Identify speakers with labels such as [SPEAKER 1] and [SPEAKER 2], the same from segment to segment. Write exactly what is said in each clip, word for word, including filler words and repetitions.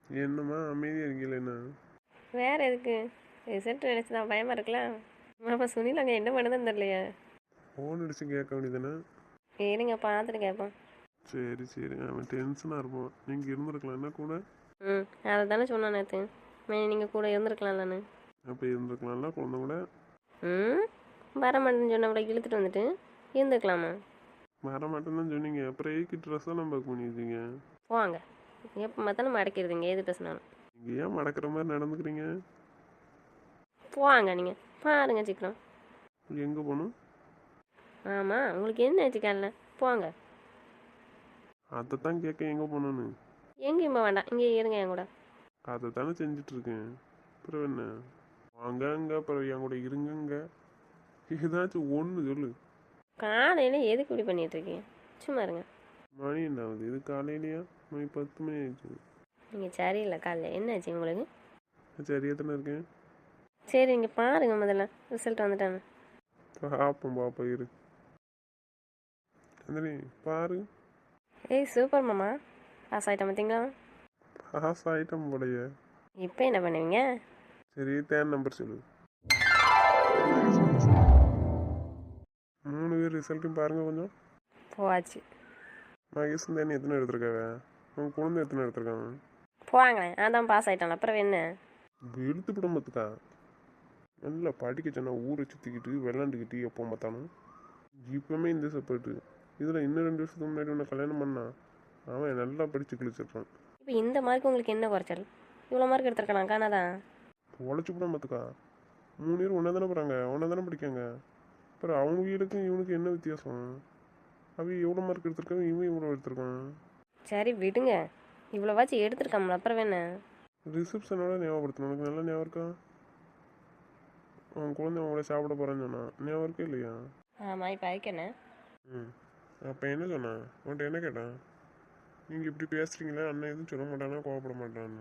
[SPEAKER 1] என்னம்மா அமைதியாக இருக்கீங்களா என்ன?
[SPEAKER 2] வேறு எதுக்கு ரிசல்ட் நினச்சி தான் பயமாக இருக்கலாம். ஆமாம் சுனில் அங்கே என்ன பண்ணுதுன்னு தெரியலையா?
[SPEAKER 1] ஃபோன் அடிச்சு கேட்க வேண்டியதானே?
[SPEAKER 2] சரிங்க பார்த்துட்டு கேட்போம்.
[SPEAKER 1] சரி சரி, அவன் டென்ஷனாக இருப்பான். நீங்கள் இருந்திருக்கலாம் என்ன கூட?
[SPEAKER 2] ம் அதை தானே சொன்னான் நேற்று. மே நீங்கள் கூட இருந்திருக்கலாம்லன்னு.
[SPEAKER 1] அப்போ இருந்திருக்கலாம்ல குழந்தை கூட.
[SPEAKER 2] ம் வர மாட்டேன்னு சொன்னவளை இழுத்துட்டு வந்துட்டு இருந்துக்கலாமா?
[SPEAKER 1] வர மாட்டேன்னு தான் சொன்னீங்க, அப்புறம் ஏக்கு ட்ரெஸ் எல்லாம் பேக் பண்ணி வச்சிங்க.
[SPEAKER 2] போவாங்க எப்போ பார்த்தாலும் மடக்கிடுதுங்க எது பேசினாலும்.
[SPEAKER 1] நீங்கள் ஏன் மடக்கிற மாதிரி நடந்துக்கிறீங்க?
[SPEAKER 2] போவாங்க நீங்கள் பாருங்க சீக்கிரம்.
[SPEAKER 1] எங்கே போகணும்?
[SPEAKER 2] ஆமாம் உங்களுக்கு என்ன ஆச்சுக்கால போங்க.
[SPEAKER 1] அதை தான் கேட்க எங்கே போகணுன்னு.
[SPEAKER 2] எங்கேயும் போக வேண்டாம் இங்கே இருங்க என் கூட.
[SPEAKER 1] அதை தானே செஞ்சிட்ருக்கேன். அப்புறம் என்ன? வாங்க அங்கே, அப்புறம் என் கூட இருங்கங்க. ஏதாச்சும் ஒன்று சொல்லு.
[SPEAKER 2] காலையில் எதுக்கு இப்படி பண்ணிட்டு இருக்கீங்க? சும்மா இருங்க.
[SPEAKER 1] மணி என்ன ஆகுது? இது காலையிலையா? மணி பத்து மணி ஆயிடுச்சு.
[SPEAKER 2] நீங்கள் சரியில்லை காலைல என்ன ஆச்சு உங்களுக்கு?
[SPEAKER 1] சரியா தானே இருக்கேன்.
[SPEAKER 2] சரி இங்கே பாருங்க முதல்ல ரிசல்ட் வந்துட்டாங்க.
[SPEAKER 1] பார்ப்போம் பார்ப்போம் இரு. அந்தனி பாரு.
[SPEAKER 2] ஏய் சூப்பர் மாமா, பாஸ் ஆகிட்டேன் பார்த்தீங்களா?
[SPEAKER 1] பாஸ் ஆகிட்டோம் போலையே.
[SPEAKER 2] இப்போ என்ன பண்ணுவீங்க?
[SPEAKER 1] சரி தேன் நம்பர் சொல்லு. மூணு பேர் ரிசல்ட்டும் பாருங்க கொஞ்சம்.
[SPEAKER 2] போவாச்சு.
[SPEAKER 1] மகேஷ் தேனி எத்தனை எடுத்திருக்காங்க? உன் குழந்தை எத்தனை எடுத்திருக்காங்க?
[SPEAKER 2] போவாங்களேன் அதான் பாஸ் ஆகிட்டான் அப்புறம் என்ன?
[SPEAKER 1] வெளுத்து விடம்பத்துக்கா. நல்லா படிக்க சொன்னா ஊரை சுற்றிக்கிட்டு விளாண்டுக்கிட்டு எப்போ பார்த்தாலும். இப்போவுமே இந்த சப்போர்ட்டு. இதில் இன்னும் ரெண்டு வருஷத்துக்கு முன்னாடி உன்னை கல்யாணம் பண்ணான் அவன் நல்லா படித்து கிழிச்சிருப்பான்.
[SPEAKER 2] இப்போ இந்த மார்க் உங்களுக்கு என்ன குறைச்சல்? இவ்வளோ மார்க் எடுத்துருக்கலாம் காணாதான்.
[SPEAKER 1] உழைச்சி விட பார்த்துக்கா. மூணு பேர் ஒன்றா தானே போகிறாங்க, ஒன்றா தானே படிக்காங்க. அப்புறம் அவங்க வீடுக்கும் இவனுக்கு என்ன வித்தியாசம்? அவன் எவ்வளோ மார்க் எடுத்திருக்காங்க, இவன் இவ்வளோ எடுத்திருக்கான்.
[SPEAKER 2] சரி விடுங்க, இவ்வளோவாச்சும் எடுத்துருக்காமல அப்புறம் என்ன?
[SPEAKER 1] ரிசப்ஷனோட ஞாபகப்படுத்தணும். உனக்கு நல்லா ஞாபகம் இருக்கா? அவன் குழந்தை அவங்கள சாப்பிட போகிறான்னு சொன்னான், ஞாபகம் இருக்கா இல்லையா?
[SPEAKER 2] ஆமாம் இப்போ அதுக்கு என்ன?
[SPEAKER 1] ம் அப்போ என்ன சொன்னான் உன்ட்ட? என்ன கேட்டான்? நீங்கள் இப்படி பேசுகிறீங்களே, அண்ணன் எதுவும் சொல்ல மாட்டானா, கோவப்பட மாட்டான்னு.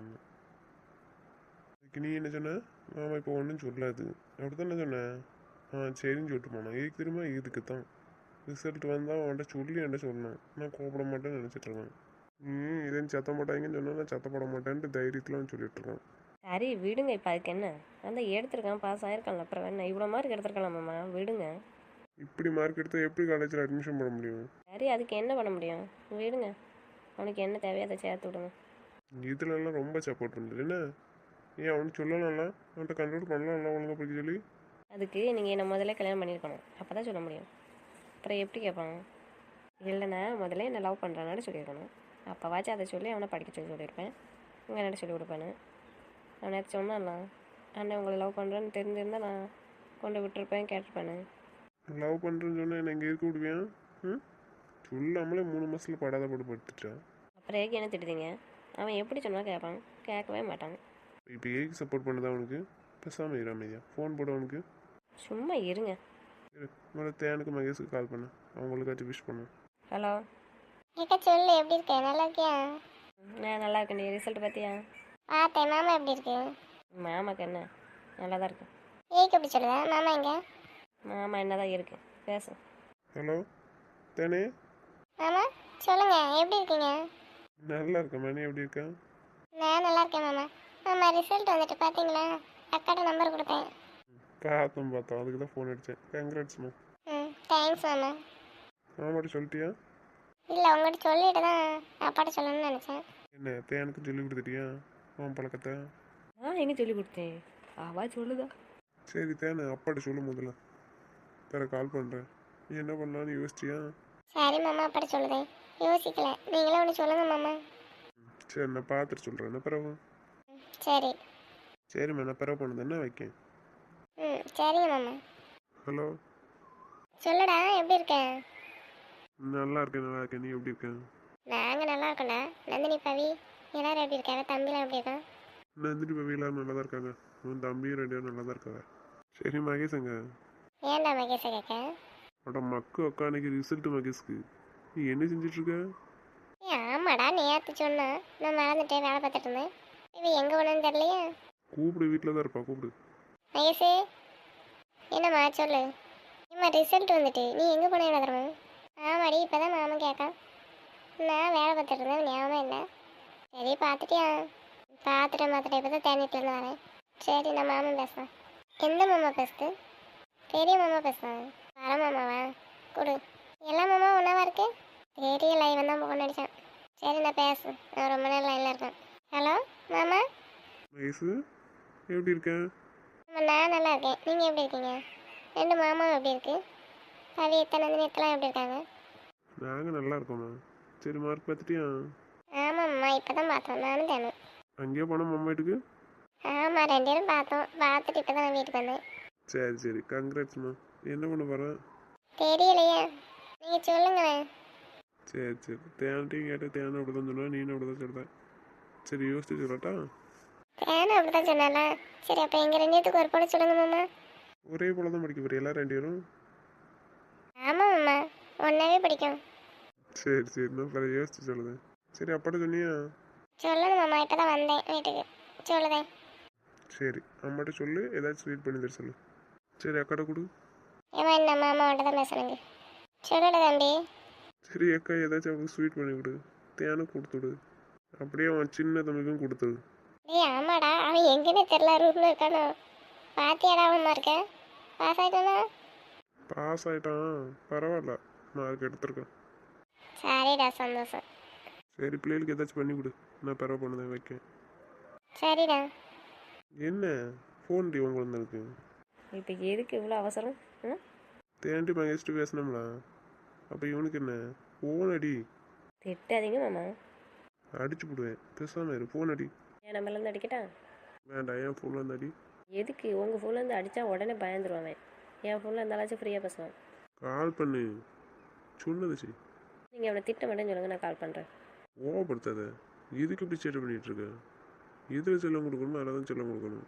[SPEAKER 1] அதுக்கு நீ என்ன சொன்ன? ஆமாம் இப்போ ஒன்றும் சொல்லாது அப்படி தான் என்ன சொன்னேன். ஆ சரின்னு சொல்லிட்டு போனான். இதுக்கு திரும்ப இதுக்கு தான் ரிசல்ட் வந்தால் அவன்கிட்ட சொல்லி என்கிட்ட சொல்லணும். நான் கோவப்பட மாட்டேன்னு நினச்சிட்ருக்கேன். ம் இதே சத்தம் போட்டாங்கன்னு சொன்னால் நான் சத்தப்பட மாட்டேன்ட்டு தைரியத்தில் அவன் சொல்லிட்டுருக்கான்.
[SPEAKER 2] சரி விடுங்க இப்போ அதுக்கு என்ன? அந்த எடுத்திருக்கான் பாஸ் ஆகிருக்கான்ல அப்புறம் என்ன? இவ்வளோ மார்க் எடுத்துருக்கலாமாம்மா, விடுங்க.
[SPEAKER 1] இப்படி மார்க் எடுத்தால் எப்படி காலேஜில் அட்மிஷன் போட முடியும்?
[SPEAKER 2] சரி அதுக்கு என்ன பண்ண முடியும்? விடுங்க, அவனுக்கு என்ன தேவையோ அதை சேர்த்து விடுங்க.
[SPEAKER 1] இதுலலாம் ரொம்ப சப்போர்ட் பண்ணுது என்ன? ஏன் அவனுக்கு சொல்லலாம்ல, அவன்கிட்ட கண்ட்ரோல் பண்ணலாம்ல ஒழுங்காக படிக்க சொல்லி.
[SPEAKER 2] அதுக்கு நீங்கள் என்னை முதல்ல கல்யாணம் பண்ணியிருக்கணும், அப்போ தான் சொல்ல முடியும். அப்புறம் எப்படி கேட்பாங்க? இல்லைண்ணா முதல்ல என்னை லவ் பண்ணுறான்னு சொல்லியிருக்கணும். அப்போவாச்சும் அதை சொல்லி அவனை படிக்க சொல்லி சொல்லியிருப்பேன். உங்கள் அண்ணன் சொல்லி கொடுப்பேன்னு அவனை சொன்னான்ல. அண்ணன் உங்களை லவ் பண்ணுறேன்னு தெரிஞ்சிருந்தால் நான் கொண்டு விட்டுருப்பேன், கேட்டிருப்பேன்னு.
[SPEAKER 1] லவ் பண்ணுறேன்னு சொன்னால் என்ன எங்கே இருக்க விடுவேன்? ம் சொல்லாமலே மூணு மாதத்தில் படாத போட்டு படுத்துட்டான்.
[SPEAKER 2] அப்புறம் ஏக்கு என்ன திட்டுதீங்க? அவன் எப்படி சொன்னால் கேட்பான், கேட்கவே மாட்டான்.
[SPEAKER 1] இப்போ ஏக்கு சப்போர்ட் பண்ணதா அவனுக்கு? பேசாமல் இரு அமைதியா. ஃபோன் போட அவனுக்கு.
[SPEAKER 2] சும்மா இருங்க.
[SPEAKER 1] இரு மேலே தேனுக்கு மகேஷுக்கு கால் பண்ணு, அவங்களுக்காச்சும் விஷ் பண்ணு.
[SPEAKER 2] ஹலோ
[SPEAKER 3] ஏக்கா சொல்லு, எப்படி இருக்க? நல்லா இருக்கியா?
[SPEAKER 2] நான் நல்லா இருக்கேன். நீ ரிசல்ட் பார்த்தியா?
[SPEAKER 3] பார்த்தேன். மாமா எப்படி இருக்கு?
[SPEAKER 2] மாமாக்கு என்ன, நல்லா தான் இருக்கு.
[SPEAKER 3] ஏக்கு எப்படி சொல்லுதா? மாமா எங்க?
[SPEAKER 2] மாமா என்ன தான் இருக்கு, பேசு.
[SPEAKER 1] ஹலோ தேனே.
[SPEAKER 3] மாமா சொல்லுங்க, எப்படி இருக்கீங்க?
[SPEAKER 1] நல்லா இருக்கேன். மணி எப்படி இருக்கேன்?
[SPEAKER 3] நான் நல்லா இருக்கேன் மாமா. மாமா ரிசல்ட் வந்துட்டு பார்த்தீங்களா? அக்காட்ட நம்பர் கொடுத்தேன்.
[SPEAKER 1] பார்த்தோம் பார்த்தோம், அதுக்கு தான் ஃபோன் அடித்தேன். கங்க்ராட்ஸ்மா.
[SPEAKER 3] ம் தேங்க்ஸ் மாமா.
[SPEAKER 1] மாமாட்ட சொல்லிட்டியா?
[SPEAKER 3] இல்லை உங்கள்கிட்ட சொல்லிட்டு தான் அப்பாட்ட சொல்லணும்னு நினச்சேன்.
[SPEAKER 1] என்ன தேனுக்கு சொல்லி கொடுத்துட்டியா உன் பழக்கத்தை?
[SPEAKER 2] நான் எங்கே சொல்லி கொடுத்தேன், அவா சொல்லுதா.
[SPEAKER 1] சரி தேனு அப்பாட்ட சொல்லு முதல்ல, வேற கால் பண்ணுறேன். நீ என்ன பண்ணலான்னு யோசிச்சியா?
[SPEAKER 3] சரி மாமா, அப்பாட்ட சொல்லுதேன். யோசிக்கல, நீங்களே ஒன்று சொல்லுங்க மாமா.
[SPEAKER 1] சரி நான் பார்த்துட்டு சொல்கிறேன். என்ன பிறகு?
[SPEAKER 3] ம், சரி.
[SPEAKER 1] சரிம்மா நான் பிறகு பண்ணது என்ன வைக்கேன்.
[SPEAKER 3] ம் சரிங்க மாமா.
[SPEAKER 1] ஹலோ
[SPEAKER 3] சொல்லுடா, எப்படி இருக்க?
[SPEAKER 1] நல்லா இருக்கேன் நல்லா இருக்கேன். நீ எப்படி இருக்க?
[SPEAKER 3] நாங்கள் நல்லா இருக்கோம்டா. நந்தினி பவி எல்லாரும் எப்படி இருக்காங்க? தம்பிலாம் எப்படி இருக்கான்?
[SPEAKER 1] நந்தினி பவி எல்லாரும் நல்லா தான் இருக்காங்க. உன் தம்பியும் ரெண்டு பேரும் நல்லா தான் இருக்காங்க. சரி மகேஷங்க.
[SPEAKER 3] ஏன்டா மகேஷை கேட்க?
[SPEAKER 1] அட மக்கு அக்கா அன்னைக்கு ரிசல்ட் மகேஷ்க்கு. நீ என்ன செஞ்சிட்ருக்க?
[SPEAKER 3] ஏ ஆமாடா, நேற்று சொன்னா நான் மறந்துட்டேன், வேலை பார்த்துட்டு இருந்தேன். இவ எங்கே போனேன்னு தெரியலையே.
[SPEAKER 1] கூப்பிடு, வீட்டில் தான் இருப்பா, கூப்பிடு.
[SPEAKER 3] மகேஷே என்னம்மா சொல்லு. ஏம்மா ரிசல்ட் வந்துட்டு நீ எங்கே போனேன் எழுதுறமா? ஆமாடி, இப்போ தான் மாமன் கேட்கான். நான் வேலை பார்த்துட்டு இருந்தேன், ஞாபகம் இல்லை. சரி பார்த்துட்டியா? பார்த்துட்டேன் பார்த்துட்டேன் இப்போ தான் தேனிட்டிலேருந்து வரேன். சரி நான் மாமா பேசுகிறேன். எந்த மாமா பேசுது? பெரிய மாமா பேசுகிறேன். வர மாமாவா? கொடு. எல்லா மாமாவும் ஒன்றாவா இருக்கு? தெரியல, இவன் தான் ஃபோன் அடித்தான். சரி நான் பேசு, நான் ரொம்ப நேரம் லைனில் இருக்கேன். ஹலோ மாமா.
[SPEAKER 1] வயசு எப்படி இருக்கேன்?
[SPEAKER 3] ஆமா, நான் நல்லா இருக்கேன். நீங்கள் எப்படி இருக்கீங்க? ரெண்டு மாமாவும் எப்படி இருக்கு? கவியத்தை நந்தினியத்தெல்லாம் எப்படி இருக்காங்க?
[SPEAKER 1] நாங்கள் நல்லா இருக்கோம்மா. சரி, மார்க் பார்த்துட்டியா?
[SPEAKER 3] ஆமாம்மா, இப்போ தான் பார்த்தோம் நானும் தேனும்.
[SPEAKER 1] அங்கேயே போனோம் அம்மா வீட்டுக்கு.
[SPEAKER 3] ஆமாம், ரெண்டு பேரும் பார்த்தோம். பார்த்துட்டு இப்போ தான் நான் வீட்டுக்கு வந்தேன்.
[SPEAKER 1] சரி சரி, கங்க்ராட்ஸ்மா. என்ன பண்ண போகிறேன்?
[SPEAKER 3] தெரியலையே, நீங்கள் சொல்லுங்களேன்.
[SPEAKER 1] சரி சரி, தேன்ட்டையும் கேட்டு தேனை அப்படி தான் சொன்னா, நீனும் அப்படி தான் சொல்கிறேன். சரி, யோசிச்சு சொல்லட்டா?
[SPEAKER 3] தேனும் அப்படி தான் சொன்னால. சரி, அப்போ எங்கள் ரெண்டு பேத்துக்கு ஒரு போல சொல்லுங்க மாமா.
[SPEAKER 1] ஒரே போல தான் படிக்க போறீங்களா ரெண்டு பேரும்?
[SPEAKER 3] ஆமாம் மாமா, ஒன்றாவே பிடிக்கும்.
[SPEAKER 1] சரி சரி, நான் பிறகு யோசிச்சு சொல்லுதேன். சரி, அப்பாட்ட சொன்னியா?
[SPEAKER 3] சொல்லணும் மாமா, இப்போ தான் வந்தேன் வீட்டுக்கு. சொல்லுதேன்.
[SPEAKER 1] சரி, அம்மாட்ட சொல்லு, ஏதாச்சும் ஸ்வீட் பண்ணி தர சொல்லு. சரி, அக்காட்ட கொடு.
[SPEAKER 3] ஏமா என்ன மாமாவோட தான் பேசணுங்க. சொல்லல தம்பி.
[SPEAKER 1] சரி அக்கா, ஏதாச்சும் அவனுக்கு ஸ்வீட் பண்ணி கொடு. தேனும் கொடுத்துடு. அப்படியே அவன் சின்ன தம்பிக்கும் கொடுத்துடு.
[SPEAKER 3] டேய் ஆமாடா, அவன் எங்கேனே தெரில, ரூமில் இருக்கானோ. பாத்தியாடா அவன் இருக்க பாஸ் ஆகிட்டானா?
[SPEAKER 1] பாஸ் ஆயிட்டான், பரவாயில்ல, மார்க் எடுத்திருக்கான்.
[SPEAKER 3] சரிடா, சந்தோஷம்.
[SPEAKER 1] சரி, பிள்ளைகளுக்கு ஏதாச்சும் பண்ணி கொடு, நான் பரவ பண்ணுதேன் வைக்கேன்.
[SPEAKER 3] சரிடா.
[SPEAKER 1] என்ன ஃபோன் டி உங்களுக்கு இருக்கு?
[SPEAKER 2] இப்போ எதுக்கு இவ்வளோ அவசரம்? ம்
[SPEAKER 1] தேண்டி மகேஷ்ட்டு பேசினோம்ல, அப்போ இவனுக்கு என்ன ஃபோன் அடி.
[SPEAKER 2] திட்டாதீங்க மாமா.
[SPEAKER 1] அடிச்சு போடுவேன், பேசாம இரு. ஃபோன் அடி.
[SPEAKER 2] என் நம்பர்லேருந்து அடிக்கட்டா?
[SPEAKER 1] வேண்டாம், என் ஃபோனில் இருந்து அடி.
[SPEAKER 2] எதுக்கு? உங்கள் ஃபோன்லேருந்து அடித்தா உடனே பயந்துருவான். என் ஃபோனில் இருந்தாலாச்சும் ஃப்ரீயாக பேசுவான்.
[SPEAKER 1] கால் பண்ணு, சொன்னது சரி.
[SPEAKER 2] நீங்கள் அவனை திட்ட மாட்டேன்னு சொல்லுங்கள், நான் கால் பண்ணுறேன்.
[SPEAKER 1] ஓவப்படுத்தாத. இதுக்கு இப்படி சேட்டை பண்ணிட்டு இருக்க? இதில் செல்லம் கொடுக்கணுமோ அதில் தான் செல்லம் கொடுக்கணும்.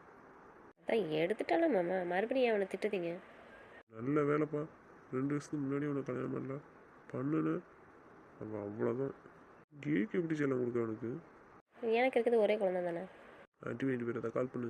[SPEAKER 2] அதான் எடுத்துட்டாலும் மாமா, மறுபடியும் அவனை திட்டுதீங்க.
[SPEAKER 1] நல்ல வேலைப்பா, ரெண்டு வருஷத்துக்கு முன்னாடி அவனை கல்யாணம் பண்ணல பண்ணுன அவன் அவ்வளோதான். கேக்கு எப்படி செல்லம் கொடுக்க அவனுக்கு?
[SPEAKER 2] எனக்கு இருக்கிறது ஒரே குழந்தை தானே.
[SPEAKER 1] ஆண்டி வேண்டி பேர் அதை கால் பண்ணு.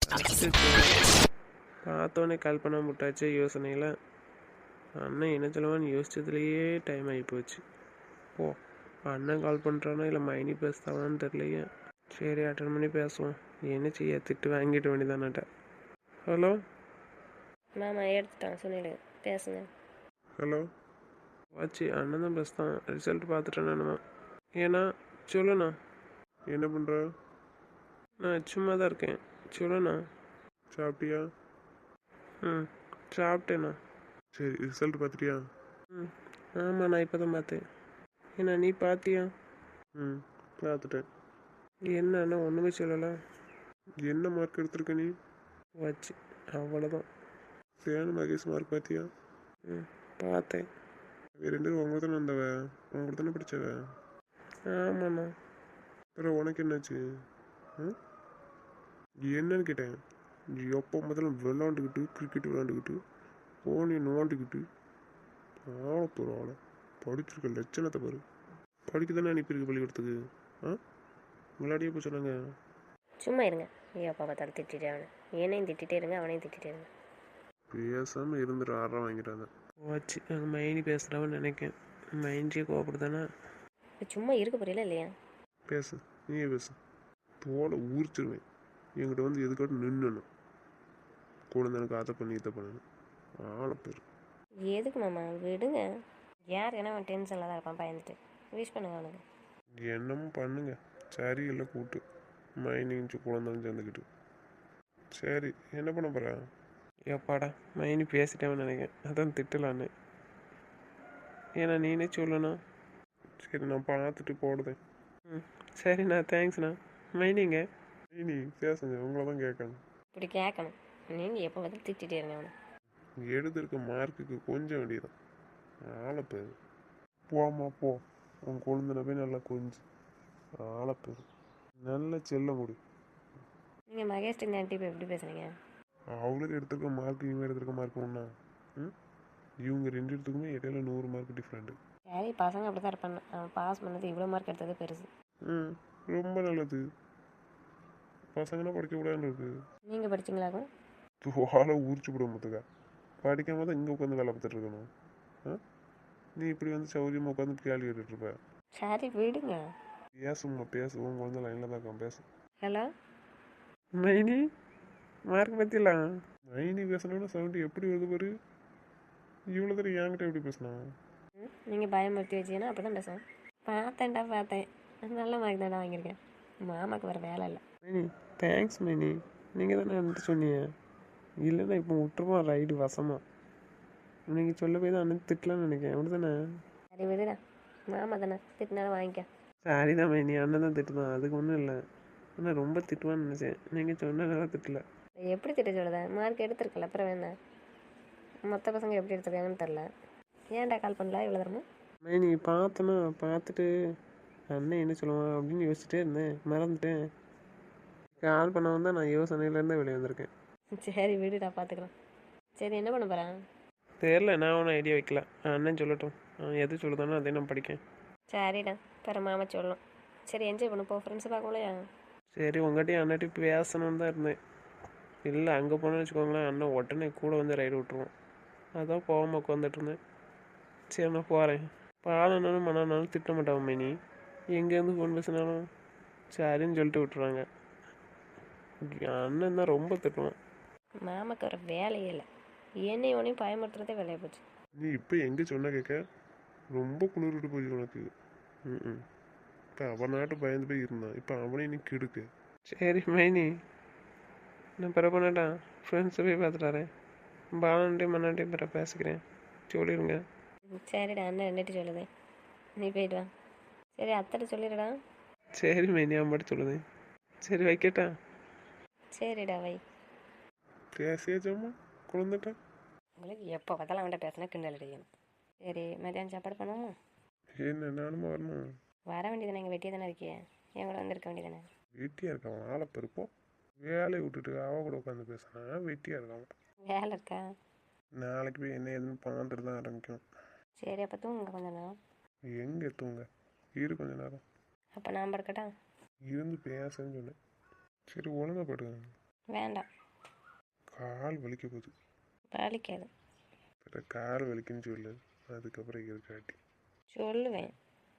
[SPEAKER 1] பார்த்தோன்னே கால் பண்ண முட்டாச்சே யோசனையில். அண்ணன் என்ன சொல்லுவான்னு யோசிச்சதுலேயே டைம் ஆகி போச்சு. ஓ, அண்ணன் கால் பண்ணுறானா இல்லை மைனி பேசுதாவான்னு தெரியலையே. சரி, அட்டன் பண்ணி பேசுவோம். என்ன செய்ய, திட்டு வாங்கிட்டு வேண்டியதானாட்ட. ஹலோ
[SPEAKER 2] மாமா எடுத்துட்டான், சொன்னிடு பேசுங்க.
[SPEAKER 1] ஹலோ வாச்சி, அண்ணன் தான் பேசுதான். ரிசல்ட் பார்த்துட்டேன் நானுமா. ஏன்னா சொல்லுண்ணா. என்ன பண்ணுற? நான் சும்மா தான் இருக்கேன், சொல்லுண்ணா. சாப்பிட்டியா? ம் சாப்பிட்டேண்ணா. சரி, ரிசல்ட் பார்த்துட்டியா? ம் ஆமாம், நான் இப்போ தான் பார்த்தேன். ஏண்ணா நீ பார்த்தியா? ம் பார்த்துட்டேன். என்னண்ணா ஒன்றுமே சொல்லலை. என்ன மார்க் எடுத்திருக்க நீ? வச்சு அவ்வளோதான். தேனு மகேஷ் மார்க் பார்த்தியா? ம் பார்த்தேன். ரெண்டு பேரும் உங்களை தானே வந்தவ, உங்களை தானே படித்தவ? ஆமாண்ணா. அப்புறம் உனக்கு என்னாச்சு? ம் என்னன்னு கேட்டேன். எப்போ முதல்ல விளாண்டுக்கிட்டு கிரிக்கெட் விளாண்டுக்கிட்டு போனி நோண்டிக்கிட்டு ஆளை போகிற ஆளை படிச்சிருக்க லட்சணத்தை பாரு. படிக்க தானே அனுப்பியிருக்கு பள்ளிக்கூடத்துக்கு. ஆ விளையாடியே போய் சொன்னாங்க.
[SPEAKER 2] சும்மா இருங்க, எப்போ பார்த்தாலும் திட்டிகிட்டே அவனை. என்னையும் திட்டிகிட்டே இருங்க, அவனையும் திட்டிகிட்டே இருங்க.
[SPEAKER 1] பேசாமல் இருந்துட்டு ஆறாம் வாங்கிட்டாங்க. வச்சு நாங்கள் மைனி பேசுகிறவன்னு நினைக்கேன். மைண்டியே கோபப்படுதானே.
[SPEAKER 2] இப்போ சும்மா இருக்க புரியல இல்லையா?
[SPEAKER 1] பேசு, நீயே பேசு. தோலை ஊறிச்சிருவேன். என்கிட்ட வந்து எதுக்காட்டும் நின்றுணும். குழந்தைனுக்கு அதை பண்ணி இதை பண்ணணும். ஆளை பேர்
[SPEAKER 2] எதுக்கு மாமா, விடுங்க. யார் ஏன்னா அவன் டென்ஷனில் தான் இருப்பான், பயந்துட்டு. விஷ் பண்ணுங்க அவனுக்கு.
[SPEAKER 1] என்னமும் பண்ணுங்க. சரி இல்லை கூட்டு மைனிச்சு குழந்தைன்னு சேர்ந்துக்கிட்டு. சரி, என்ன பண்ண போகிற? எப்பாடா மைனி பேசிட்டேன்னு நினைக்கிறேன், அதான் திட்டலான்னு. ஏன்னா நீனே சொல்லணும். சரி, நான் பார்த்துட்டு போடுதேன். ம் சரிண்ணா, தேங்க்ஸ்ண்ணா. மைனிங்க மைனி பேசுங்க, உங்களை தான் கேட்கணும்.
[SPEAKER 2] இப்படி கேட்கணும். நீங்கள் எப்போ பார்த்தாலும் திட்டிகிட்டே இருங்க அவனை.
[SPEAKER 1] எடுத்திருக்க மார்க்குக்கு கொஞ்சம் வேண்டியதான். ஆளை பேர் போமா போ. உன் குழந்தைன போய் நல்லா கொஞ்சம் ஆளை பேர் நல்ல செல்ல முடி.
[SPEAKER 2] நீங்கள் மகேஷ் இந்த ஆண்டி இப்போ எப்படி பேசுகிறீங்க?
[SPEAKER 1] அவளுக்கு எடுத்திருக்க மார்க் இவங்க எடுத்திருக்க மார்க் ஒன்றா? ம் இவங்க ரெண்டு இடத்துக்குமே இடையில நூறு மார்க் டிஃப்ரெண்ட்டு.
[SPEAKER 2] சரி, பசங்க அப்படி தான் இருப்பாங்க. அவன் பாஸ் பண்ணது இவ்வளோ மார்க் எடுத்தது பெருசு.
[SPEAKER 1] ம் ரொம்ப நல்லது. பசங்கன்னா படிக்கக்கூடாதுன்னு இருக்கு.
[SPEAKER 2] நீங்கள் படிச்சிங்களாக்கும்?
[SPEAKER 1] வாழை உரிச்சு விட முத்துக்கா. படிக்காம தான் இங்கே உட்காந்து வேலை பார்த்துட்டு இருக்கணும். ஆ நீ இப்படி வந்து சௌரியமாக உட்காந்து கேள்வி கேட்டுட்ருப்ப.
[SPEAKER 2] சரி விடுங்க.
[SPEAKER 1] பேசுமா பேசுவோம், குழந்தை லைனில் தான் இருக்கான், பேசு.
[SPEAKER 2] ஹலோ
[SPEAKER 1] மைனி மார்க் பற்றிலாம் மைனி பேசணும்னு சவுண்டு எப்படி வருது பாரு. இவ்வளோ தடவை என்கிட்ட எப்படி பேசலாம்?
[SPEAKER 2] ம் நீங்கள் பயமுறுத்தி வச்சீங்கன்னா அப்படி தான் பேசுவேன். பார்த்தேன்டா பார்த்தேன், நல்ல மார்க் தான்டா வாங்கியிருக்கேன். மாமாவுக்கு வர வேலை இல்லை.
[SPEAKER 1] மைனி தேங்க்ஸ் மைனி, நீங்கள் தானே வந்துட்டு சொன்னீங்க. இல்லைன்னா இப்போ விட்டுருவோம் ரைடு வசமாக. நீங்கள் சொல்ல போய் தான் அண்ணன் திட்டலான்னு நினைக்கிறேன், அப்படி தானே?
[SPEAKER 2] சரி விடுடா, மாமா தானே திட்டினாலும் வாங்கிக்க.
[SPEAKER 1] சாரி தான் மைனி, அண்ணன் தான் திட்டுதான், அதுக்கு ஒன்றும் இல்லை. ஆனால் ரொம்ப திட்டுவான்னு நினச்சேன், நீங்கள் சொன்னதால திட்டல.
[SPEAKER 2] எப்படி திட்ட சொல்லுதா? மார்க் எடுத்திருக்கல, அப்புறம் வேணா மற்ற பசங்க எப்படி எடுத்துருக்காங்கன்னு தெரில. ஏன்டா கால் பண்ணல இவ்வளோ தரமா?
[SPEAKER 1] மைனி பார்த்தேன்னா பார்த்துட்டு அண்ணன் என்ன சொல்லுவான் அப்படின்னு யோசிச்சுட்டே இருந்தேன், மறந்துட்டேன். கால் பண்ண வந்தால் நான் யோசனையிலேருந்தே வெளியே வந்திருக்கேன்.
[SPEAKER 2] சரி விடுடா, பார்த்துக்கலாம். சரி என்ன பண்ண போகிறேன்?
[SPEAKER 1] தெரில, நான் ஒன்றும் ஐடியா வைக்கல. அண்ணன் சொல்லட்டும், அவன் எது சொல்லுதானோ அதே நான் படிக்கேன்.
[SPEAKER 2] சரிடா, பிற மாமா சொல்லலாம். சரி என்ஜாய் பண்ணு போ, ஃப்ரெண்ட்ஸை பார்க்கலையா?
[SPEAKER 1] சரி உங்கள்கிட்டயும் அண்ணாட்டி பேசணும்னு தான் இருந்தேன். இல்லை அங்கே போனேன்னு வச்சுக்கோங்களேன், அண்ணன் உடனே கூட வந்து ரைடு விட்டுருவோம். அதான் போகாமல் உட்காந்துட்டு இருந்தேன். சரி நான் போகிறேன். பாலனாலும் மனானாலும் திட்ட மாட்டான் மைனி. எங்கேருந்து ஃபோன் பேசினாலும் சரின்னு சொல்லிட்டு விட்டுருவாங்க. அண்ணன் தான் ரொம்ப திட்டுவான்.
[SPEAKER 2] மாமாக்கு வர வேலையே இல்லை, என்னை ஒன்றையும் பயமுறுத்துறதே வேலையை போச்சு.
[SPEAKER 1] நீ இப்போ எங்கே சொன்ன கேட்க ரொம்ப குளிர்விட்டு போச்சு உனக்கு. ம் இப்போ அவன் நாட்டு பயந்து போய் இருந்தான், இப்போ அவனே நீ கெடுக்கு. சரி மைனி, நான் பிற பண்ணட்டா, ஃப்ரெண்ட்ஸை போய் பார்த்துட்டாரேன். பாலன்ட்டையும் மண்ணாட்டையும் பிற பேசிக்கிறேன், சொல்லிடுங்க.
[SPEAKER 2] ம், சரிடா, அண்ணன் ரெண்டுட்டு சொல்லுது, நீ போயிட்டு வா. சரி அத்தைட்ட சொல்லிடுடா.
[SPEAKER 1] சரி மைனி, அவன் பாட்டு சொல்லுது. சரி வைக்கட்டா?
[SPEAKER 2] சரிடா வை.
[SPEAKER 1] பேசியாச்சாம்மா குழந்தைட்டா?
[SPEAKER 2] உங்களுக்கு எப்போ பார்த்தாலும் அவன்கிட்ட பேசினா கிண்டல் அடிக்கணும். சரி மத்தியானம் சாப்பாடு பண்ணுவோமா?
[SPEAKER 1] என்ன நானும் வரணும்?
[SPEAKER 2] வர வேண்டியதானே, எங்கள் வெட்டியே தானே இருக்கியே, என் கூட வந்திருக்க வேண்டியதானே.
[SPEAKER 1] வெட்டியாக இருக்கான் ஆளை பெருப்போம். வேலையை விட்டுட்டு அவ கூட உட்காந்து பேசினா வெட்டியாக இருக்கான்.
[SPEAKER 2] வேலை இருக்கா?
[SPEAKER 1] நாளைக்கு போய் என்ன ஏதுன்னு பார்த்துட்டு தான் ஆரம்பிக்கும்.
[SPEAKER 2] சரி அப்போ தூங்குங்க கொஞ்ச நேரம்.
[SPEAKER 1] எங்கே தூங்க, இரு கொஞ்ச நேரம்
[SPEAKER 2] அப்போ நான் படுக்கட்டா?
[SPEAKER 1] இருந்து பேசுன்னு சொன்னேன். சரி ஒழுங்கா படுங்க.
[SPEAKER 2] வேண்டாம்,
[SPEAKER 1] கால் வலிக்க போகுது.
[SPEAKER 2] வலிக்காது.
[SPEAKER 1] பிற கால் வலிக்குன்னு சொல்லு, அதுக்கப்புறம் இருக்காட்டி
[SPEAKER 2] சொல்லுவேன்.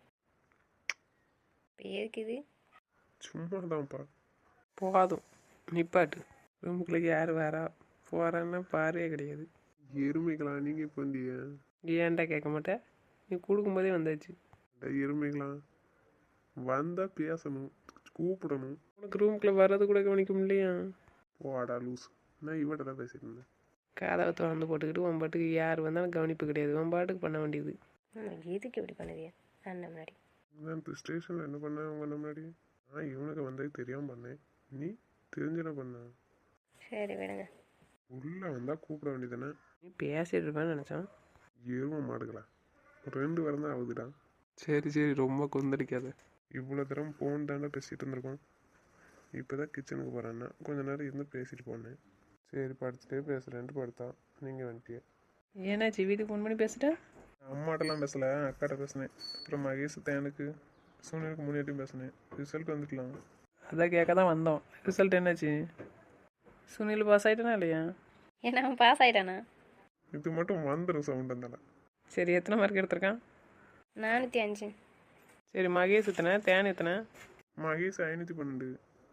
[SPEAKER 2] இப்போ எதுக்குது?
[SPEAKER 1] சும்மா தான்ப்பா. போதும் நிப்பாட்டு. ரூமுக்குள்ளே யார் வரா போகிறான்னா பாரே கிடையாது. எருமைகளா நீங்கள் இப்போ வந்தியா? ஏன்டா கேட்க மாட்டேன், நீ கொடுக்கும்போதே வந்தாச்சு. எருமைகளா வந்தால் பேசணும், கூப்பிடணும். உனக்கு ரூமுக்குள்ளே வர்றது கூட கவனிக்க முடியலையா? போடா லூஸ், நான் இவட்ட தான் பேசிட்டு இருந்தேன். கதவை திறந்து போட்டுக்கிட்டு உன் பாட்டுக்கு யார் வந்தாலும் கவனிப்பு கிடையாது, உன் பாட்டுக்கு பண்ண வேண்டியது.
[SPEAKER 2] எதுக்கு இப்படி பண்ணுதியா அண்ணன் முன்னாடி?
[SPEAKER 1] நான் இப்போ ஸ்டேஷனில் என்ன பண்ணேன் அவங்க முன்னாடி? நான் இவனுக்கு வந்தது தெரியாமல் பண்ணேன், நீ தெரிஞ்சுன பண்ண.
[SPEAKER 2] சரி விடுங்க.
[SPEAKER 1] உள்ளே வந்தால் கூப்பிட வேண்டியதானே? நீ பேசிட்டு இருப்பேன்னு நினச்சான். எருமை மாடுகளா, ரெண்டு வாரம் தான் ஆகுதுடா. சரி சரி ரொம்ப கொந்தளிக்காத. இவ்வளோ தரம் ஃபோன் தாண்டா பேசிகிட்டு இருந்திருக்கோம். இப்போ தான் கிச்சனுக்கு போகிறேன்னா கொஞ்ச நேரம் இருந்து பேசிட்டு போனேன். சரி படுத்துட்டே பேசுகிறேன்ட்டு படுத்தா நீங்கள் வந்துட்டிய.
[SPEAKER 4] ஏன்னாச்சு வீட்டுக்கு ஃபோன் பண்ணி பேசிட்டேன்?
[SPEAKER 1] அம்மாட்டெல்லாம் பேசலை, அக்காட்ட பேசினேன். அப்புறம் மகேஷ் தேனுக்கு சூனியருக்கு முன்னாடியும் பேசினேன். ரிசல்ட் வந்துக்கலாம்.
[SPEAKER 4] அதான் கேட்க தான் வந்தோம். ரிசல்ட் என்னாச்சு? சுனில் பாஸ் ஆகிட்டானா இல்லையா?
[SPEAKER 2] ஏன்னா அவன் பாஸ் ஆகிட்டானா?
[SPEAKER 1] இது மட்டும் வந்துடும் சவுண்ட் இருந்தால.
[SPEAKER 4] சரி எத்தனை மார்க் எடுத்திருக்கான்?
[SPEAKER 2] நானூற்றி அஞ்சு.
[SPEAKER 4] சரி மகேஷ் எத்தனை, தேன் எத்தனை?
[SPEAKER 1] மகேஷ் ஐநூற்றி பன்னெண்டு,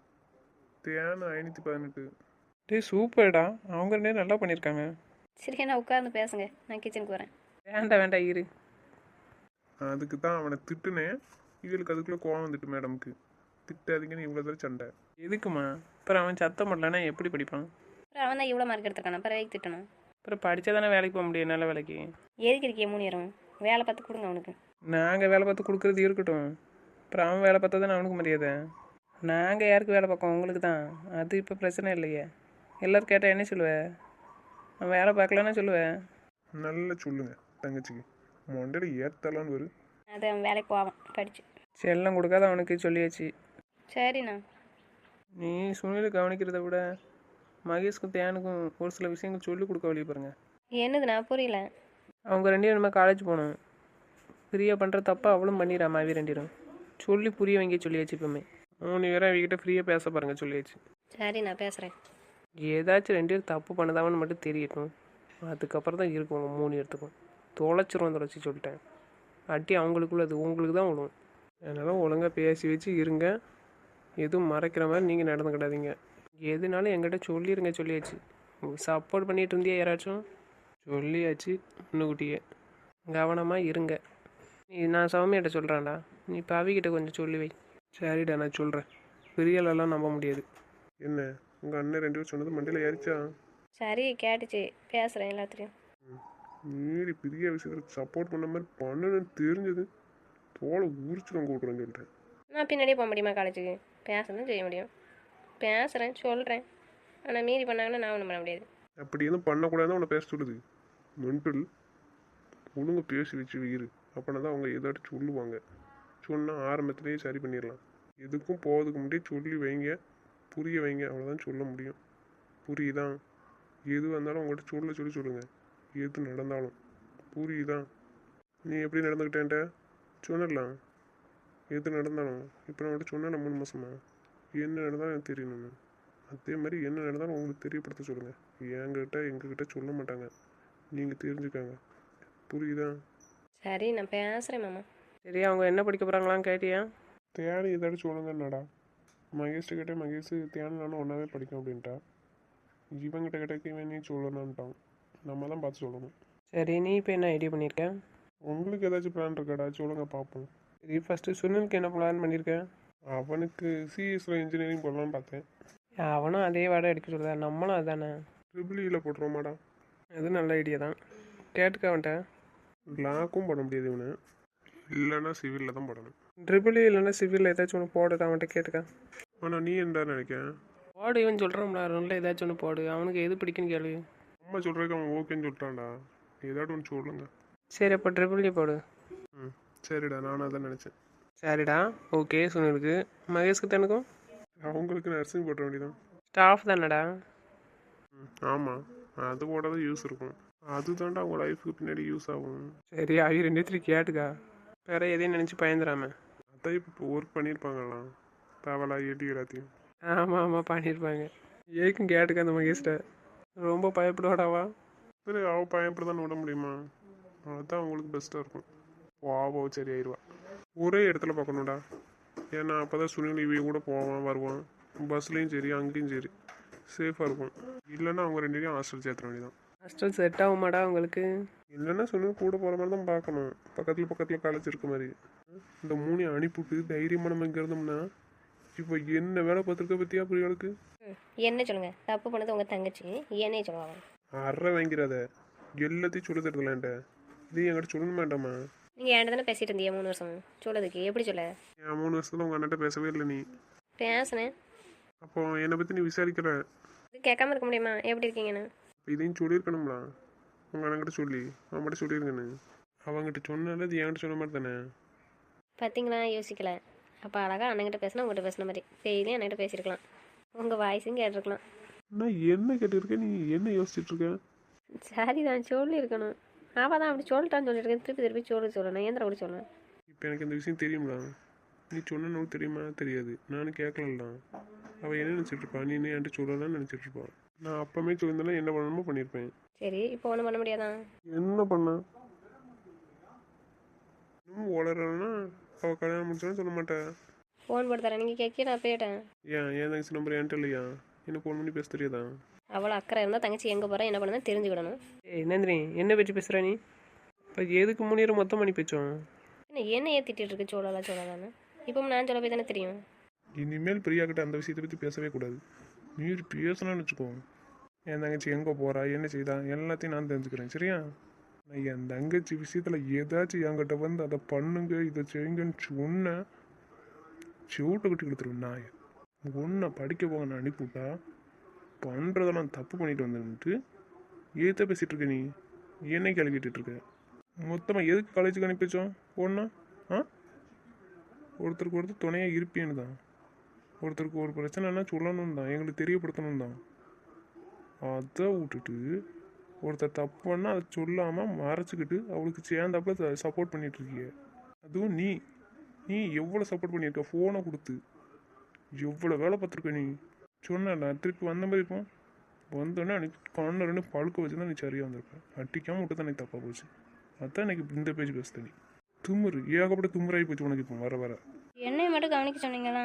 [SPEAKER 1] தேன் ஐநூற்றி பதினெட்டு.
[SPEAKER 4] டே சூப்பர்டா, அவங்க ரெண்டே நல்லா பண்ணியிருக்காங்க.
[SPEAKER 2] சரி நான் உட்கார்ந்து பேசுங்க, நான் கிச்சனுக்கு வரேன்.
[SPEAKER 4] வேண்டாம் வேண்டாம் இரு.
[SPEAKER 1] அதுக்கு தான் அவனை திட்டுனேன். இவளுக்கு அதுக்குள்ளே கோவம் வந்துட்டு மேடமுக்கு. திட்டாதீங்கன்னு இவ்வளோ தூரம் சண்டை.
[SPEAKER 4] எதுக்குமா? அப்புறம் அவன் சத்தம் பண்ணலன்னா எப்படி படிப்பான்?
[SPEAKER 2] அப்புறம் அவன் தான் இவ்வளோ மார்க் எடுத்திருக்கானா, அப்புறம் வேலைக்கு திட்டணும்.
[SPEAKER 4] அப்புறம் படித்தா தானே வேலைக்கு போக முடியும், நல்ல வேலைக்கு.
[SPEAKER 2] எதுக்கு இருக்கிய மூணு நேரம் வேலை பார்த்து கொடுங்க அவனுக்கு.
[SPEAKER 4] நாங்கள் வேலை பார்த்து கொடுக்குறது இருக்கட்டும், அப்புறம் அவன் வேலை பார்த்தா தானே அவனுக்கு மரியாதை. நாங்கள் யாருக்கு வேலை பார்க்கோம், உங்களுக்கு தான். அது இப்போ பிரச்சனை இல்லையே. எல்லோரும் கேட்டால் என்ன சொல்லுவேன்? அவன் வேலை பார்க்கலன்னா சொல்லுவேன்.
[SPEAKER 1] நல்லா சொல்லுங்க தங்கச்சிக்கு, மொண்டையில் ஏற்றலான்னு வரும்.
[SPEAKER 2] அது அவன் வேலைக்கு போவான் படிச்சு.
[SPEAKER 4] செல்லம் கொடுக்காத அவனுக்கு சொல்லியாச்சு.
[SPEAKER 2] சரிண்ணா.
[SPEAKER 4] நீ சுனில் கவனிக்கிறத விட மகேஷ்க்கும் தேனுக்கும் ஒரு சில விஷயங்கள் சொல்லிக் கொடுக்க வழி பாருங்க.
[SPEAKER 2] என்னதுண்ணா புரியல?
[SPEAKER 4] அவங்க ரெண்டு பேரும் நம்ம காலேஜ் போகணும். ஃப்ரீயாக பண்ணுற தப்பா அவளும் பண்ணிடுறாமா, அவி ரெண்டிடும் சொல்லி புரிய வைங்க சொல்லியாச்சு. இப்போமே மூணு பேரும் அவங்ககிட்ட ஃப்ரீயாக பேச பாருங்க சொல்லியாச்சு.
[SPEAKER 2] சரி நான் பேசுகிறேன்.
[SPEAKER 4] ஏதாச்சும் ரெண்டு பேரும் தப்பு பண்ணதாவன்னு மட்டும் தெரியட்டும், அதுக்கப்புறம் தான் இருக்கும் உங்கள் மூணு இடத்துக்கும். தொலைச்சிருவோம், தொலைச்சி சொல்லிட்டேன். அட்டி அவங்களுக்குள்ள அது உங்களுக்கு தான் விழுவும். அதனால் ஒழுங்காக பேசி வச்சு இருங்க. எதுவும் மறைக்கிற மாதிரி நீங்கள் நடந்துக்கிடாதீங்க. எதுனாலும் என்கிட்ட சொல்லிடுங்க, சொல்லியாச்சு. சப்போர்ட் பண்ணிட்டு இருந்தியா யாராச்சும்? சொல்லியாச்சு முன்னுக்குட்டியே. கவனமாக இருங்க. நீ நான் சௌமியாட்ட சொல்கிறேன்டா, நீ பவிக்கிட்ட கொஞ்சம் சொல்லி வை. சரிடா, நான் சொல்கிறேன். பிரியலெல்லாம் நம்ப முடியாது.
[SPEAKER 1] என்ன உங்கள் அண்ணன் ரெண்டு பேரும் சொன்னது மண்டையில் ஏறிச்சா?
[SPEAKER 2] சரி கேட்டுச்சு, பேசுகிறேன் எல்லாத்துலேயும்.
[SPEAKER 1] மீறி பெரிய விஷயத்துக்கு சப்போர்ட் பண்ண மாதிரி பண்ணணும்னு தெரிஞ்சது தோலை உரிச்சுட்டு கூட்டுறேன்னு சொல்லிட்டேன்.
[SPEAKER 2] நான் பின்னாடியே போக முடியுமா காலேஜுக்கு? பேசதான் செய்ய முடியும். பேசுகிறேன், சொல்கிறேன். ஆனால் மீறி பண்ணாங்கன்னா நான் ஒன்றும் பண்ண முடியாது.
[SPEAKER 1] அப்படி எதுவும் பண்ணக்கூடாதுன்னு உன்னை பேச சொல்லுது. மென்டல் ஒழுங்கு பேசி வச்சு வீரு. அப்படின்னா தான் அவங்க ஏதாட்டும் சொல்லுவாங்க. சொன்னால் ஆரம்பத்துலேயே சரி பண்ணிடலாம். எதுக்கும் போகிறதுக்கு முன்னாடியே சொல்லி வைங்க, புரிய வைங்க. அவ்வளோதான் சொல்ல முடியும். புரியுதா? எது வந்தாலும் அவங்கள்ட்ட சொல்ல சொல்லி சொல்லுங்கள். எது நடந்தாலும் புரியுதா? நீ எப்படி நடந்துக்கிட்டேன்ட்ட சொன்னலாம். எது நடந்தாலும் இப்போ நான் அவங்கள்ட்ட சொன்னேன் மூணு மாதமா என்ன நடந்தாலும் எனக்கு தெரியணும்னு. அதே மாதிரி என்ன நடந்தாலும் உங்களுக்கு தெரியப்படுத்த சொல்லுங்கள். என்கிட்ட எங்ககிட்ட சொல்ல மாட்டாங்க. நீங்கள் தெரிஞ்சுக்காங்க. புரியுதா?
[SPEAKER 2] சரி நான் பேசுகிறேன் மாமா.
[SPEAKER 4] சரி, அவங்க என்ன படிக்க போகிறாங்களான்னு கேட்டியா?
[SPEAKER 1] தேனி ஏதாச்சும் சொல்லுங்கன்னாடா. மகேஷ்ட கிட்டே மகேஷ் தேனி நானும் ஒன்றாவே படிக்கும் அப்படின்ட்டா. இவங்கிட்ட கிட்ட இவன் நீ சொல்லணுன்ட்டான். நம்ம தான் பார்த்து சொல்லணும்.
[SPEAKER 4] சரி, நீ இப்போ என்ன ஐடியா பண்ணியிருக்கேன்?
[SPEAKER 1] உங்களுக்கு ஏதாச்சும் பிளான் இருக்காடா? சொல்லுங்க பார்ப்போம்.
[SPEAKER 4] சரி, ஃபஸ்ட்டு சுனிலுக்கு என்ன பிளான் பண்ணியிருக்கேன்?
[SPEAKER 1] அவனுக்கு சிஎஸ்ல இன்ஜினியரிங் போடலான்னு பார்த்தேன்.
[SPEAKER 4] அவனும் அதே வாடகை எடுக்க சொல்லுதா, நம்மளும் அதுதானே.
[SPEAKER 1] ட்ரிபிள் இயில் போட்டுருவோமாடா?
[SPEAKER 4] அது நல்ல ஐடியா தான். கேட்டுக்க அவன்கிட்ட.
[SPEAKER 1] லாக்கும் போட முடியாது இவனு. இல்லைன்னா சிவிலில் தான் போடணும்.
[SPEAKER 4] ட்ரிபிள் இல்லைன்னா சிவிலில் ஏதாச்சும் ஒன்று போடுது, அவன்கிட்ட கேட்டுக்க.
[SPEAKER 1] ஆனால் நீ என்ன நினைக்கிறேன்?
[SPEAKER 4] போடு, இவன் சொல்கிறான்டா, ரெண்டில் ஏதாச்சும் ஒன்று போடு. அவனுக்கு எது பிடிக்குன்னு கேளு.
[SPEAKER 1] அம்மா சொல்கிறதுக்கு அவன் ஓகேன்னு சொல்லிட்டான்டா. ஏதாட்டும் ஒன்று சொல்லுங்க.
[SPEAKER 4] சரி, அப்போ ட்ரிபிள் போடு.
[SPEAKER 1] ம் சரிடா, நானும் அதான் நினச்சேன்.
[SPEAKER 4] சரிடா, ஓகே. சுனிலுக்கு, மகேஷ்க்கு தனக்கும்
[SPEAKER 1] அவங்களுக்கு நர்சிங் போட்ட வேண்டியதான்.
[SPEAKER 4] ஸ்டாஃப் தானடா.
[SPEAKER 1] ம் ஆமாம், அது போட்டால் யூஸ் இருக்கும். அது தாண்டா அவங்க லைஃபுக்கு பின்னாடி யூஸ் ஆகும்.
[SPEAKER 4] சரி, அவங்க ரெண்டு பேரும் கேட்டுக்கா. வேற எதையும் நினச்சி பயந்துடாம.
[SPEAKER 1] அதான் இப்போ ஒர்க் பண்ணியிருப்பாங்கலாம். தவளா எடி எல்லாத்தையும்.
[SPEAKER 4] ஆமாம் ஆமாம் பண்ணியிருப்பாங்க. ஏக்கும் கேட்டுக்க அந்த மகேஷ்ட. ரொம்ப பயப்படுவாடாவா?
[SPEAKER 1] சரி, அவள் பயப்பட தான் விட முடியுமா? அதுதான் அவங்களுக்கு பெஸ்ட்டாக இருக்கும். வாவோ சரி ஆயிடுவா. ஒரே இடத்துல பார்க்கணும்டா. ஏன்னா அப்போ தான் சுனில் இவங்க கூட போவான் வருவான். பஸ்லேயும் சரி அங்கேயும் சரி சேஃபாக இருக்கும். இல்லைன்னா அவங்க ரெண்டு பேரும் ஹாஸ்டல் சேர்த்துற வேண்டியதான்.
[SPEAKER 4] ஹாஸ்டல் செட் ஆகுமாடா உங்களுக்கு?
[SPEAKER 1] இல்லைன்னா சுனில் கூட போகிற மாதிரி தான் பார்க்கணும். பக்கத்தில் பக்கத்தில் காலேஜ் இருக்க மாதிரி. இந்த மூணையும் அனுப்பிவிட்டு தைரியமாக நம்ம இங்கே இருந்தோம்னா இப்போ என்ன வேலை பார்த்துருக்க பற்றியா பிரியாளுக்கு?
[SPEAKER 2] என்ன சொல்லுங்கள், தப்பு பண்ணது உங்கள் தங்கச்சி, என்னையே சொல்லுவாங்க.
[SPEAKER 1] அரை வாங்கிறாத. எல்லாத்தையும் சொல்லி தருதலான்ட்ட. இது என்கிட்ட சொல்லணும் வேண்டாமா?
[SPEAKER 2] நீங்கள் என்கிட்ட தானே பேசிகிட்டு இருந்தீங்க மூணு வருஷம். சொல்லதுக்கு எப்படி சொல்ல?
[SPEAKER 1] என் மூணு வருஷத்துல உங்கள் அண்ணன்ட்ட பேசவே இல்லை நீ.
[SPEAKER 2] பேசுனேன்.
[SPEAKER 1] அப்போ என்னை பற்றி நீ விசாரிக்கிற.
[SPEAKER 2] இது கேட்காம இருக்க முடியுமா? எப்படி இருக்கீங்கன்னு.
[SPEAKER 1] இதையும் சொல்லியிருக்கணும்ல. உங்கள் அண்ணன்கிட்ட சொல்லி அவன்கிட்ட சொல்லியிருக்கேன்னு. அவங்ககிட்ட சொன்னால அது என்கிட்ட சொன்ன மாதிரி தானே.
[SPEAKER 2] பார்த்தீங்களா, யோசிக்கல. அப்போ அழகாக அண்ணங்கிட்ட பேசினா உங்கள்கிட்ட பேசின மாதிரி டெய்லியும் அண்ணகிட்ட பேசியிருக்கலாம். உங்கள் வாய்ஸும் கேட்டிருக்கலாம்.
[SPEAKER 1] நான் என்ன கேட்டிருக்கேன், நீ என்ன யோசிச்சுட்டு இருக்க?
[SPEAKER 2] சரி தான் சொல்லியிருக்கணும். அவள் தான் அப்படி சொல்லிட்டான்னு சொல்லியிருக்கேன். திருப்பி திருப்பி சொல்லி சொல்லணும். ஏந்திர கூட சொல்லணும்.
[SPEAKER 1] இப்போ எனக்கு இந்த விஷயம் தெரியும்ல. நீ சொன்னு தெரியுமா? தெரியாது. நானும் கேட்கலாம். அவள் என்ன நினச்சிட்டு இருப்பா? நீ என்ன என்கிட்ட சொல்லலாம்னு நினச்சிட்டு இருப்பான். நான் அப்பமே சொல்லியிருந்தேன்னா என்ன பண்ணணுமோ பண்ணியிருப்பேன்.
[SPEAKER 2] சரி, இப்போ ஒன்றும் பண்ண முடியாதான்?
[SPEAKER 1] என்ன பண்ண? இன்னும் வளரலன்னா அவள் கல்யாணம் முடிச்சாலும் சொல்ல மாட்டேன்.
[SPEAKER 2] ஃபோன் போட்டு தரேன், நீங்கள் கேட்க நான் போயிட்டேன்.
[SPEAKER 1] ஏன் என் தங்கச்சி நம்பர் என்கிட்ட இல்லையா? என்ன ஃபோன் பண்ணி பேச தெரியாதா?
[SPEAKER 2] அவ்வளோ அக்கறை இருந்தால் தங்கச்சி எங்கே போகிறேன் என்ன பண்ணுன்னு தெரிஞ்சுக்கிடணும்.
[SPEAKER 4] ஏய் நந்தினி, என்ன பேச்சு பேசுகிற நீ? இப்போ எதுக்கு முன்னேற மொத்தம் பண்ணி பேச்சோம்?
[SPEAKER 2] என்ன என்ன ஏற்றிட்டு இருக்கு சொல்லலாம் சொல்லலான்னு? இப்போ நான் சொல்ல போய் தானே தெரியும்.
[SPEAKER 1] இனிமேல் பிரியாக்கிட்ட அந்த விஷயத்தை பற்றி பேசவே கூடாது. நீ பேசலாம்னு வச்சுக்கோ. என் தங்கச்சி எங்கே போகிறா, என்ன செய்தா, எல்லாத்தையும் நான் தெரிஞ்சுக்கிறேன். சரியா? நான் என் தங்கச்சி விஷயத்தில் ஏதாச்சும் என்கிட்ட வந்து அதை பண்ணுங்க இதை செய்யுங்கன்னு சொன்னேன், சூட்டை கட்டி கொடுத்துருவேன். நான் ஒன்றை படிக்க போக நான் அனுப்பிவிட்டா பண்ணுறதெல்லாம் தப்பு பண்ணிட்டு வந்துட்டு ஏற்ற பேசிகிட்டு இருக்க. நீ என்ன கேள்வி கேட்டுட்டு இருக்க? மொத்தமாக எதுக்கு காலேஜுக்கு அனுப்பி வச்சோம்? ஒன்றா ஆ ஒருத்தருக்கு ஒருத்தர் துணையாக இருப்பேன்னு தான். ஒருத்தருக்கு ஒரு பிரச்சனைனா சொல்லணும் தான், எங்களுக்கு தெரியப்படுத்தணும் தான். அதை விட்டுட்டு ஒருத்தர் தப்பு பண்ணால் அதை சொல்லாமல் மறைச்சிக்கிட்டு அவளுக்கு சேர்ந்தாப்புல சப்போர்ட் பண்ணிட்டு இருக்கிய. அதுவும் நீ நீ எவ்வளோ சப்போர்ட் பண்ணியிருக்க? ஃபோனை கொடுத்து எவ்வளோ வேலை பார்த்துருக்க நீ. சொன்ன திருப்பி வந்த மாதிரி இருப்போம். வந்தோடனே அன்றைக்கி கண்ணு ரெண்டு பழுக்க வச்சு தான் நீ சரியாக வந்திருப்பேன். அட்டிக்காமல் விட்டு தான் எனக்கு தப்பாக போச்சு. அதான் எனக்கு இந்த பேஜ் பேசுத. நீ தும்முறு ஏகப்பட்ட தும்முறாகி போச்சு உனக்கு இப்போ வர வர.
[SPEAKER 5] என்னை மட்டும் கவனிக்க சொன்னீங்களா?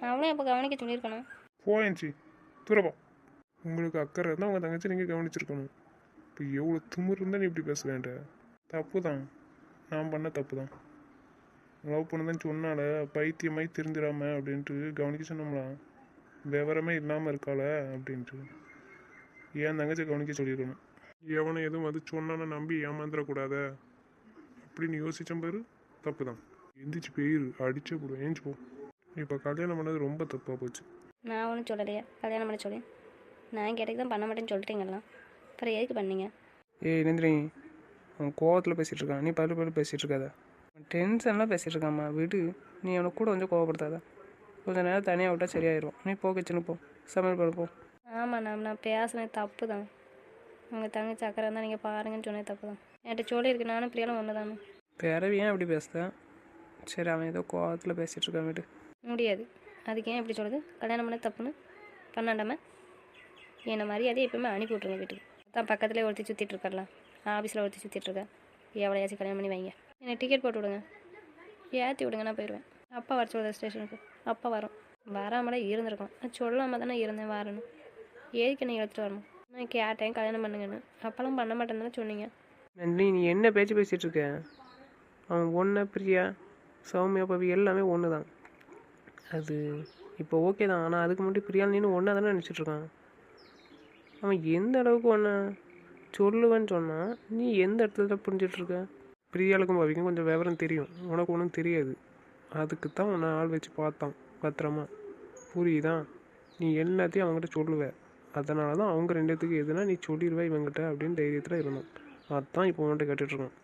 [SPEAKER 2] அவனும் இப்போ கவனிக்க சொல்லியிருக்கணும்.
[SPEAKER 1] போயஞ்சி தூரப்பா. உங்களுக்கு அக்கறை இருந்தால் உங்கள் தங்கச்சி நீங்கள் கவனிச்சிருக்கணும். இப்போ எவ்வளோ திமிரு இருந்தால் நீ இப்படி பேச வேண்ட? தப்பு தான், நான் பண்ண தப்பு தான். லவ் பண்ணதான் சொன்னால பைத்தியமாய் திருந்திடாம அப்படின்ட்டு கவனிக்க சொன்னோம்லாம். விவரமே இல்லாமல் இருக்காள அப்படின்ட்டு ஏன் தங்கச்சி கவனிக்க சொல்லியிருக்கணும். எவனை எதுவும் அது சொன்னான்னு நம்பி ஏமாந்துடக்கூடாத அப்படின்னு யோசிச்சேன் பாரு, தப்பு தான். எந்திரிச்சு போயிரு, அடிச்சே போடுவேன், ஏஞ்சி போ. இப்போ கல்யாணம் பண்ணது ரொம்ப தப்பாக போச்சு.
[SPEAKER 2] நான் ஒன்றும் சொல்லலையா கல்யாணம் பண்ண சொல்லி? நான் கேட்டதுக்கு தான் பண்ண மாட்டேன்னு சொல்லிட்டீங்கலாம், அப்புறம் எதுக்கு பண்ணீங்க?
[SPEAKER 4] ஏய் நந்தினி, அவன் கோவத்தில் பேசிகிட்டு இருக்கான், நீ பல்லு பல்லு பேசிகிட்டு இருக்காத. டென்ஷன்லாம் பேசிகிட்டு இருக்காம்மா, விடு. நீ அவனை கூட கொஞ்சம் கோவப்படுத்தாத. கொஞ்சம் நேரம் தனியாக விட்டால் சரியாயிடும். நீ போ கிச்சனு போ, சமையல் பண்ண போ.
[SPEAKER 2] ஆமாம் நான் நான் பேசினது தப்பு தான். உங்கள் தங்கச்சி அக்கறை இருந்தால் நீங்கள் பாருங்கன்னு சொன்னது தப்பு தான். என்கிட்ட சொல்லியிருக்கு, நானும் பிரியாலும் ஒன்று தானே.
[SPEAKER 4] பிறவி ஏன் அப்படி பேசுத? சரி, அவன் ஏதோ கோவத்தில் பேசிகிட்டு இருக்கான், விடு.
[SPEAKER 2] முடியாது. அதுக்கு ஏன் இப்படி சொல்லுது? கல்யாணம் பண்ண தப்புன்னு பண்ணாண்டாம என்னை மரியாதையை எப்பவுமே அனுப்பி விட்ருங்க வீட்டுக்கு. தான் பக்கத்துலேயே ஒருத்தி சுற்றிட்டு இருக்கார்லாம், ஆஃபீஸில் ஒருத்தி சுற்றிட்டு இருக்கா. எவ்வளோயாச்சும் கல்யாணம் பண்ணி வைங்க. என்னை டிக்கெட் போட்டு விடுங்க, ஏற்றி விடுங்க, நான் போயிடுவேன். அப்பா வர சொல்லுது ஸ்டேஷனுக்கு. அப்பா வரும். வராமலே இருந்திருக்கோம். நான் சொல்லாமல் தானே இருந்தேன் வரணும். எதுக்கு என்னை எடுத்துகிட்டு வரணும்? நான் கேட்டேன் கல்யாணம் பண்ணுங்கன்னு, அப்போல்லாம் பண்ண மாட்டேன்னு தானே சொன்னீங்க.
[SPEAKER 4] நந்தினி, நீ என்ன பேச்சு பேசிகிட்டு இருக்க? அவன் ஒன்று பிரியா, சௌமியா, பவி எல்லாமே ஒன்று தான். அது இப்போ ஓகே தான், ஆனால் அதுக்கு முன்னாடி பிரியால் நீனு ஒன்றா தானே நினச்சிட்ருக்கான். அவன் எந்த அளவுக்கு ஒன்று சொல்லுவேன்னு சொன்னான், நீ எந்த இடத்துல புரிஞ்சிட்ருக்க? பிரியாளுக்கும் பவிக்கும் கொஞ்சம் விவரம் தெரியும், உனக்கு ஒன்றும் தெரியாது. அதுக்கு தான் உன்னை ஆள் வச்சு பார்த்தான் பத்திரமா, புரியுதா? நீ எல்லாத்தையும் அவங்ககிட்ட சொல்லுவ, அதனால தான் அவங்க ரெண்டுத்துக்கு எதுனா நீ சொல்லிடுவ இவங்ககிட்ட அப்படின்னு தைரியத்தில் இருந்தான். அதுதான் இப்போ உன்கிட்ட கேட்டுட்ருக்கான்.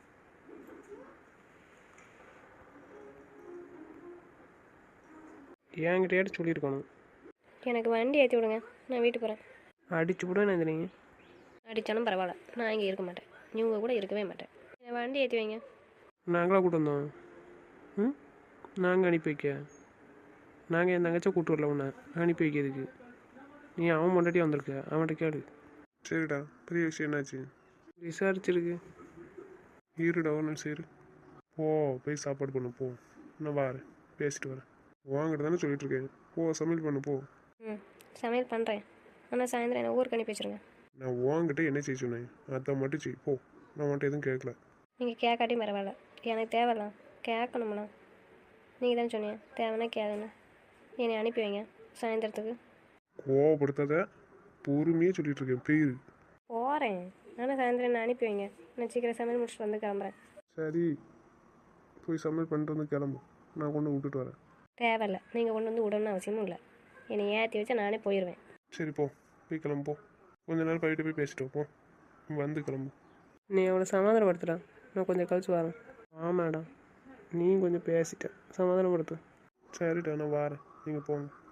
[SPEAKER 4] என்கிட்டயாட்டு சொல்லியிருக்கணும்.
[SPEAKER 2] எனக்கு வண்டி ஏற்றி விடுங்க, நான் வீட்டுக்கு போகிறேன்.
[SPEAKER 4] அடிச்சு விட நந்தினி.
[SPEAKER 2] அடித்தாலும் பரவாயில்ல, நான் இங்கே இருக்க மாட்டேன். இவங்க கூட இருக்கவே மாட்டேன். என்னை வண்டி ஏற்றி வைங்க.
[SPEAKER 4] நாங்களாக கூட்டு வந்தோம். ம் நாங்கள் அனுப்பி வைக்க? நாங்கள் என் தங்கச்சா கூட்டு வரல உன்னை அனுப்பி வைக்கிறதுக்கு. நீ அவன் முன்னாடி வந்திருக்க, அவன்கிட்ட கேளு.
[SPEAKER 1] சரிடா, பெரிய விஷயம் என்னாச்சு?
[SPEAKER 4] விசாரிச்சிருக்கு.
[SPEAKER 1] இருடா ஒரு நிமிஷம் இரு. போ போய் சாப்பாடு பண்ணு போ, நான் வரேன், பேசிட்டு வரேன். வாங்கிட்டு தானே சொல்லிட்டு இருக்கேன், போ சமையல் பண்ணு போ.
[SPEAKER 2] ம் சமையல் பண்ணுறேன், ஆனால் சாயந்தரம் என்னை ஊருக்கு அனுப்பி வச்சுருங்க.
[SPEAKER 1] நான் வாங்கிட்ட என்ன செய்ய சொன்னேன் அதை மட்டும் செய் போ, நான் வந்துட்டு எதுவும் கேட்கல.
[SPEAKER 2] நீங்கள் கேட்காட்டியும் பரவாயில்ல, எனக்கு தேவையில்ல, கேட்கணும்ண்ணா. நீங்கள் தானே சொன்னீங்க தேவைன்னா கேளுண்ணா. என்னை அனுப்பி வைங்க சாயந்தரத்துக்கு.
[SPEAKER 1] கோவப்படுத்தாத, பொறுமையாக சொல்லிட்டு இருக்கேன், பெயிரு.
[SPEAKER 2] போகிறேன், ஆனால் சாயந்தரம் என்னை அனுப்பி வைங்க. நான் சீக்கிரம் சமையல் முடிச்சுட்டு வந்து கிளம்புறேன்.
[SPEAKER 1] சரி, போய் சமையல் பண்ணிட்டு வந்து கிளம்பு, நான் கொண்டு விட்டுட்டு வரேன்.
[SPEAKER 2] தேவையில்ல, நீங்கள் கொண்டு வந்து விடணும்னு அவசியமும் இல்லை. என்னை ஏற்றி வச்சா நானே போயிடுவேன்.
[SPEAKER 1] சரி போ, போய் கிளம்பு போ. கொஞ்ச நேரம் போயிட்டு போய் பேசிட்டு போ, வந்து கிளம்பு.
[SPEAKER 4] நீ அவளை சமாதானப்படுத்துடா, நான் கொஞ்சம் கழிச்சு வரேன். ஆமாடா, நீ கொஞ்சம் பேசிட்ட, சமாதானப்படுத்து.
[SPEAKER 1] சரிடா, நான் வரேன், நீங்கள் போங்க.